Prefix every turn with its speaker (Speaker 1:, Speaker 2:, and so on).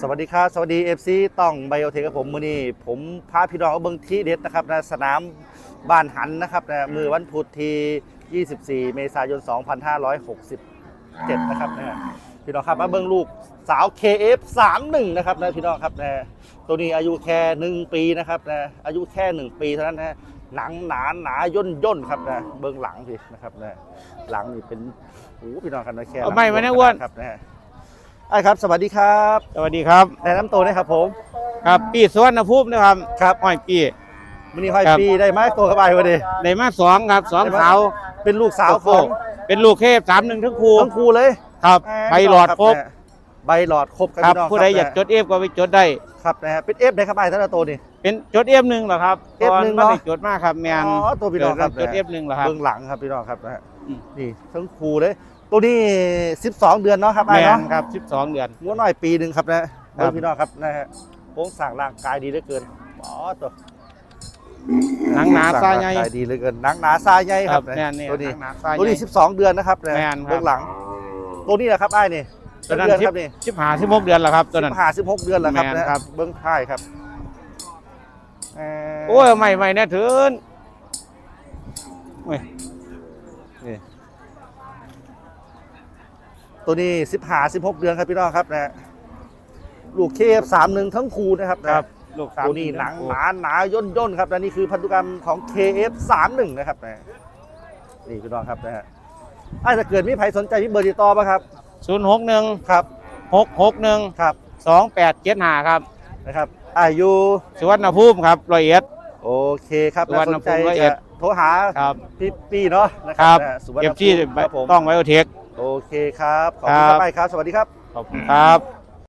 Speaker 1: สวัสดีครับสวัสดี FC ต้องไบโอเทคกับผมมื้อนี้ผมพาพี่น้องเอาเบิ่งที่เด็ดนะครับในสนามบ้านหันนะครับในมือวันพุธที่24 เมษายน 2567 นะครับนะพี่น้องครับมาเบิ่งลูกสาว KF31 นะครับนะพี่น้องครับนะตัวนี้อายุแค่1 ปีนะครับนะอายุแค่1 ปีเท่านั้นนะหนังหนาย่นครับนะเบิ่งหลังพี่นะครับนะหลังนี่เป็นโอ้พี่น้องครับนะแค่หลัง
Speaker 2: ไม่นะอ้วน
Speaker 1: ครับนะไอ้ครับสวัสดีครับ
Speaker 2: สวัสดีครับ
Speaker 1: แนะนำตัวหนะครับผม
Speaker 2: ครับปีสวนภูมินะครับ
Speaker 1: ครับ
Speaker 2: ห้อยปี
Speaker 1: มันนี่ห้อย
Speaker 2: ครับ
Speaker 1: ปีได้ไหมตัวกระบายวะดิ
Speaker 2: ได้มาสองครับสองสาว
Speaker 1: เป็นลูกสาวของ
Speaker 2: เป็นลูกเทพ31ทั้งคู่
Speaker 1: ทั้งครูเลย
Speaker 2: ครับใบหลอดครบ
Speaker 1: ใบหลอดครบ
Speaker 2: ครับ
Speaker 1: พี่น้อง
Speaker 2: ผู้ใดอยากจดเอฟก็ไปจดได้
Speaker 1: ครับนะฮะเป็นเอฟได้ครับไอ้ท่านตัวนี่
Speaker 2: เป็นจดเอฟหนึ่งเหรอครับ
Speaker 1: F1
Speaker 2: ไม่ได้จดมากครับแมน
Speaker 1: อ๋อตัวพี่น้องครับ
Speaker 2: จดเอฟหนึ่งเหรอครับ
Speaker 1: เบื้องหลังครับพี่น้องครับนะฮะ
Speaker 2: อืม
Speaker 1: นี่ทั้งครูเลยตัวนี้12 เดือนเนาะครับ
Speaker 2: แม
Speaker 1: ไอ้
Speaker 2: น
Speaker 1: เนาะ
Speaker 2: ครับ12เดือน
Speaker 1: งัวน้อยปีหนึ่งครับนะ
Speaker 2: ครั
Speaker 1: เบื้อบ งพี่น้องครับนะฮะโครงสร้างร่างกายดีเหลือเกินอ๋อตัว
Speaker 2: หนังหนาซาใหญ่
Speaker 1: โครงสร้งร่งกยดีเหลือเกินหนังหนาซาใหญ่ครับ
Speaker 2: แมนนี่
Speaker 1: ตัวนี้
Speaker 2: หนังหนาซาใหญ่
Speaker 1: ตัวนี้12 เดือนนะครับนะ
Speaker 2: แม่นครับ
Speaker 1: เบื้องหลังตัวนี้แหละครับไอ้นี่
Speaker 2: ตัวนั้น
Speaker 1: เดือนครับนี่
Speaker 2: 16เดือนแล้วครับตัวนั้น
Speaker 1: 16 เดือนแล้วครับ
Speaker 2: แม่น
Speaker 1: นะครับ เบื้องท้ายครับ
Speaker 2: โอ้ยไม่แน่ถึงโอ้ย
Speaker 1: นี่ตัวนี้16 เดือนครับพี่น้องครับนะลูกเคฟ31ทั้งคู่นะครับนะครับ
Speaker 2: ลูก
Speaker 1: ตัวนี้หนังหนาย่นครับและนี่คือพันธุกรรมของ KF31 นะครับนะนี่พี่น้องครับนะฮะถ้าเกิดมีใครสนใจที่เบอร์ติดต่อป่ะครับ
Speaker 2: 061
Speaker 1: ครับ
Speaker 2: 661
Speaker 1: ครับ
Speaker 2: 2875ครับ
Speaker 1: นะครับอายุ
Speaker 2: สุวรรณภูมิครับร้อยเอ็ด
Speaker 1: โอเคครับ
Speaker 2: สุวรรณ
Speaker 1: สนใจ
Speaker 2: ภูมิ101
Speaker 1: จะโทรหา
Speaker 2: ครับ
Speaker 1: พี่ปีเนาะนะค
Speaker 2: ค
Speaker 1: รั
Speaker 2: รั
Speaker 1: บบ นะสุวรรณ
Speaker 2: เก็บ
Speaker 1: ภู
Speaker 2: ที่
Speaker 1: มิครับผม
Speaker 2: ต้องไวโอเทค
Speaker 1: โอเคครับขอบคุณครับไปครับสวัสดีครับ
Speaker 2: ขอบคุณครับ